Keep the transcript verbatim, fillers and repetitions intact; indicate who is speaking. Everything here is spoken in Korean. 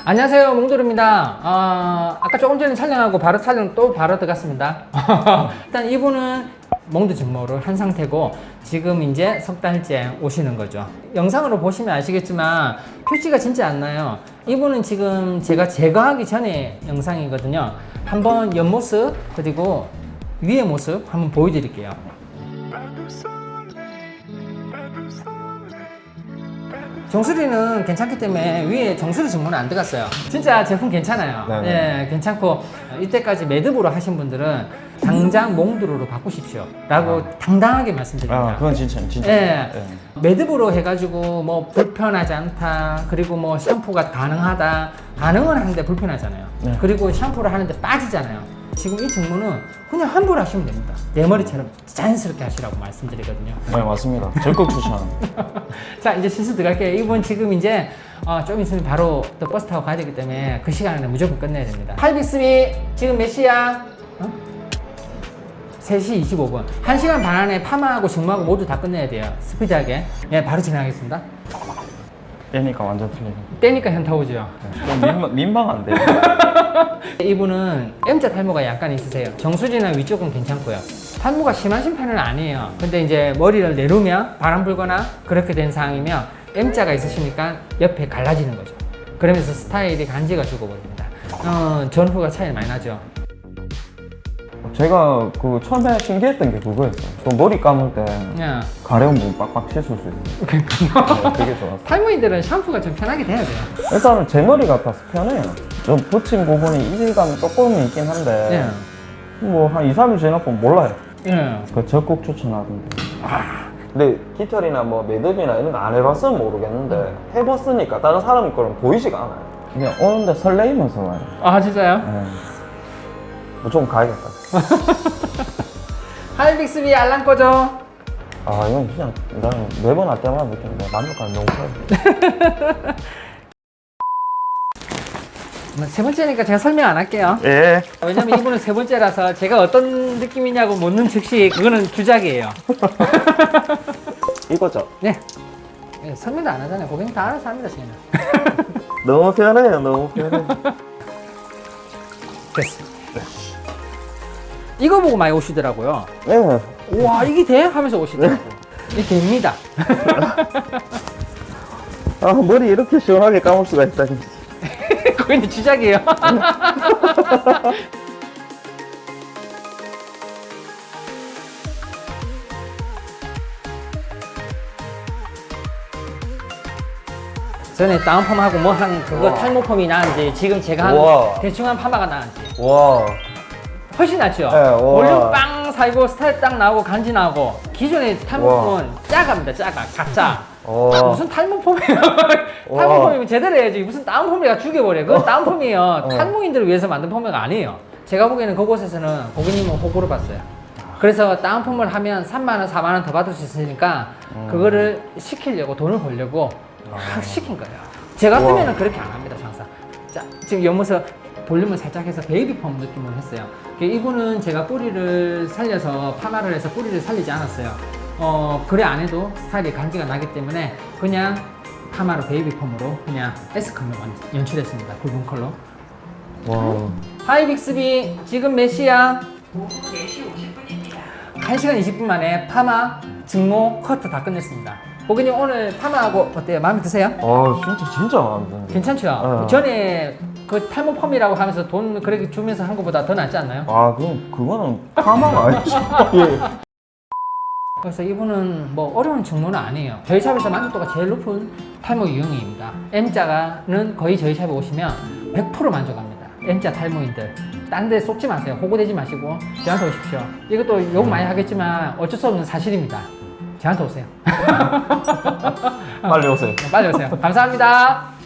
Speaker 1: 안녕하세요, 몽돌입니다. 어, 아까 조금 전에 촬영하고 바로 촬영 또 바로 들어갔습니다. 일단 이분은 몽드 증모를 한 상태고 지금 이제 석 달째 오시는 거죠. 영상으로 보시면 아시겠지만 표지가 진짜 안 나요. 이분은 지금 제가 제거하기 전에 영상이거든요. 한번 옆모습 그리고 위의 모습 한번 보여드릴게요. 정수리는 괜찮기 때문에 위에 정수리 증모는 안 들어갔어요. 진짜 제품 괜찮아요.
Speaker 2: 네네.
Speaker 1: 예, 괜찮고 이때까지 매듭으로 하신 분들은 당장 몽드로로 바꾸십시오 라고
Speaker 2: 아.
Speaker 1: 당당하게 말씀드립니다.
Speaker 2: 아, 그건 진짜, 진짜.
Speaker 1: 예,
Speaker 2: 네.
Speaker 1: 매듭으로 해가지고 뭐 불편하지 않다, 그리고 뭐 샴푸가 가능하다, 가능은 하는데 불편하잖아요.
Speaker 2: 네.
Speaker 1: 그리고 샴푸를 하는데 빠지잖아요. 지금 이 증모는 그냥 함부로 하시면 됩니다. 내 머리처럼 자연스럽게 하시라고 말씀드리거든요.
Speaker 2: 네, 맞습니다. 적극 추천.
Speaker 1: 자, 이제 실수 들어갈게요. 이분 지금 이제 어, 좀 있으면 바로 또 버스 타고 가야 되기 때문에 그 시간에는 무조건 끝내야 됩니다. 팔빅스비 지금 몇 시야? 어? 세 시 이십오 분. 한 시간 반 안에 파마하고 증모하고 모두 다 끝내야 돼요. 스피드하게. 예, 바로 진행하겠습니다.
Speaker 2: 빼니까 완전 틀리네.
Speaker 1: 떼니까 현타 오죠.
Speaker 2: 좀 민망, 민망한데.
Speaker 1: 이분은 M자 탈모가 약간 있으세요. 정수리나 위쪽은 괜찮고요. 탈모가 심하신 편은 아니에요. 근데 이제 머리를 내리면 바람 불거나 그렇게 된 상황이면 M자가 있으시니까 옆에 갈라지는 거죠. 그러면서 스타일이 간지가 죽어버립니다. 어, 전후가 차이 많이 나죠.
Speaker 2: 제가 그 처음에 신기했던 게 그거였어요. 저 머리 감을 때
Speaker 1: 야.
Speaker 2: 가려운 부분 빡빡 씻을 수 있어요. 네, 그게 좋았어요.
Speaker 1: 탈모인들은 샴푸가 좀 편하게 돼야 돼요.
Speaker 2: 일단은 제 머리 같아서 편해요. 좀 붙인 부분이 이질감이 조금 있긴 한데
Speaker 1: 예.
Speaker 2: 뭐 한 이, 삼 일 지나면 몰라요.
Speaker 1: 예.
Speaker 2: 그 적극 추천하던데. 근데 깃털이나 뭐 매듭이나 이런 거 안 해봤으면 모르겠는데 해봤으니까 다른 사람 거는 보이지가 않아요. 그냥 오는데 설레이면서 와요.
Speaker 1: 아, 진짜요?
Speaker 2: 네. 무조건 가야겠다.
Speaker 1: 하이빅스비 알람 꺼줘.
Speaker 2: 아 이건 그냥 나는 매번 할 때마다 느끼는데 만족감이 너무 커요.
Speaker 1: 세 번째니까 제가 설명 안 할게요.
Speaker 2: 예.
Speaker 1: 왜냐면 이분은 세 번째라서 제가 어떤 느낌이냐고 묻는 즉시 그거는 주작이에요.
Speaker 2: 이거죠?
Speaker 1: 네. 네, 설명도 안 하잖아요. 고객님 다 알아서 합니다, 저희는.
Speaker 2: 너무 편해요. 너무 편해.
Speaker 1: 됐어. 네. 이거 보고 많이 오시더라고요.
Speaker 2: 네.
Speaker 1: 우와, 이게 돼? 하면서 오시더라고요. 이게 됩니다.
Speaker 2: 아 머리 이렇게 시원하게 감을 수가 있다니.
Speaker 1: 고객님 주작이에요. 전에 다운펌하고 뭐 한 그거
Speaker 2: 우와.
Speaker 1: 탈모펌이 나은지 지금 제가 한
Speaker 2: 우와.
Speaker 1: 대충 한 파마가 나은지
Speaker 2: 와.
Speaker 1: 훨씬 낫죠?
Speaker 2: 네, 우와.
Speaker 1: 볼륨 빵 살고 스타일 딱 나오고 간지 나고 기존의 탈모펌은 짜갑니다. 짜가 가짜.
Speaker 2: 와.
Speaker 1: 아, 무슨 탈모펌이에요? 탈모펌이면 제대로 해야지. 무슨 다운펌이가 죽여버려. 그건 다운펌이에요. 탈모인들을 위해서 만든 펌웨어가 아니에요. 제가 보기에는 그곳에서는 고객님은 호구를 봤어요. 그래서 다운펌을 하면 삼만 원, 사만 원 더 받을 수 있으니까
Speaker 2: 음.
Speaker 1: 그거를 시키려고 돈을 벌려고 확 시킨 거예요. 제 같으면 그렇게 안 합니다, 항상. 자, 지금 옆모습 볼륨을 살짝 해서 베이비펌 느낌으로 했어요. 이분은 제가 뿌리를 살려서 파마를 해서 뿌리를 살리지 않았어요. 어, 그래 안 해도 스타일이 간지가 나기 때문에 그냥 파마로 베이비펌으로 그냥 S컬러 연출했습니다. 붉은 컬러.
Speaker 2: 와.
Speaker 1: 하이 빅스비 지금 몇 시야?
Speaker 3: 오후 네 시 오십 분입니다.
Speaker 1: 한 시간 이십 분 만에 파마, 증모, 커트 다 끝냈습니다. 고객님 오늘 파마하고 어때요? 마음에 드세요?
Speaker 2: 아 진짜 진짜 마음에 드는데.
Speaker 1: 괜찮죠?
Speaker 2: 네.
Speaker 1: 전에 그 탈모 펌이라고 하면서 돈 그렇게 주면서 한 것보다 더 낫지 않나요?
Speaker 2: 아 그럼 그거는 파마가 아니지. 예.
Speaker 1: 그래서 이분은 뭐 어려운 증모는 아니에요. 저희 샵에서 만족도가 제일 높은 탈모 유형입니다. M자가는 거의 저희 샵에 오시면 백 퍼센트 만족합니다. M자 탈모인들. 딴 데 쏟지 마세요. 호구되지 마시고 저한테 오십시오. 이것도 욕 많이 하겠지만 어쩔 수 없는 사실입니다. 저한테 오세요.
Speaker 2: 빨리 오세요.
Speaker 1: 빨리 오세요. 감사합니다.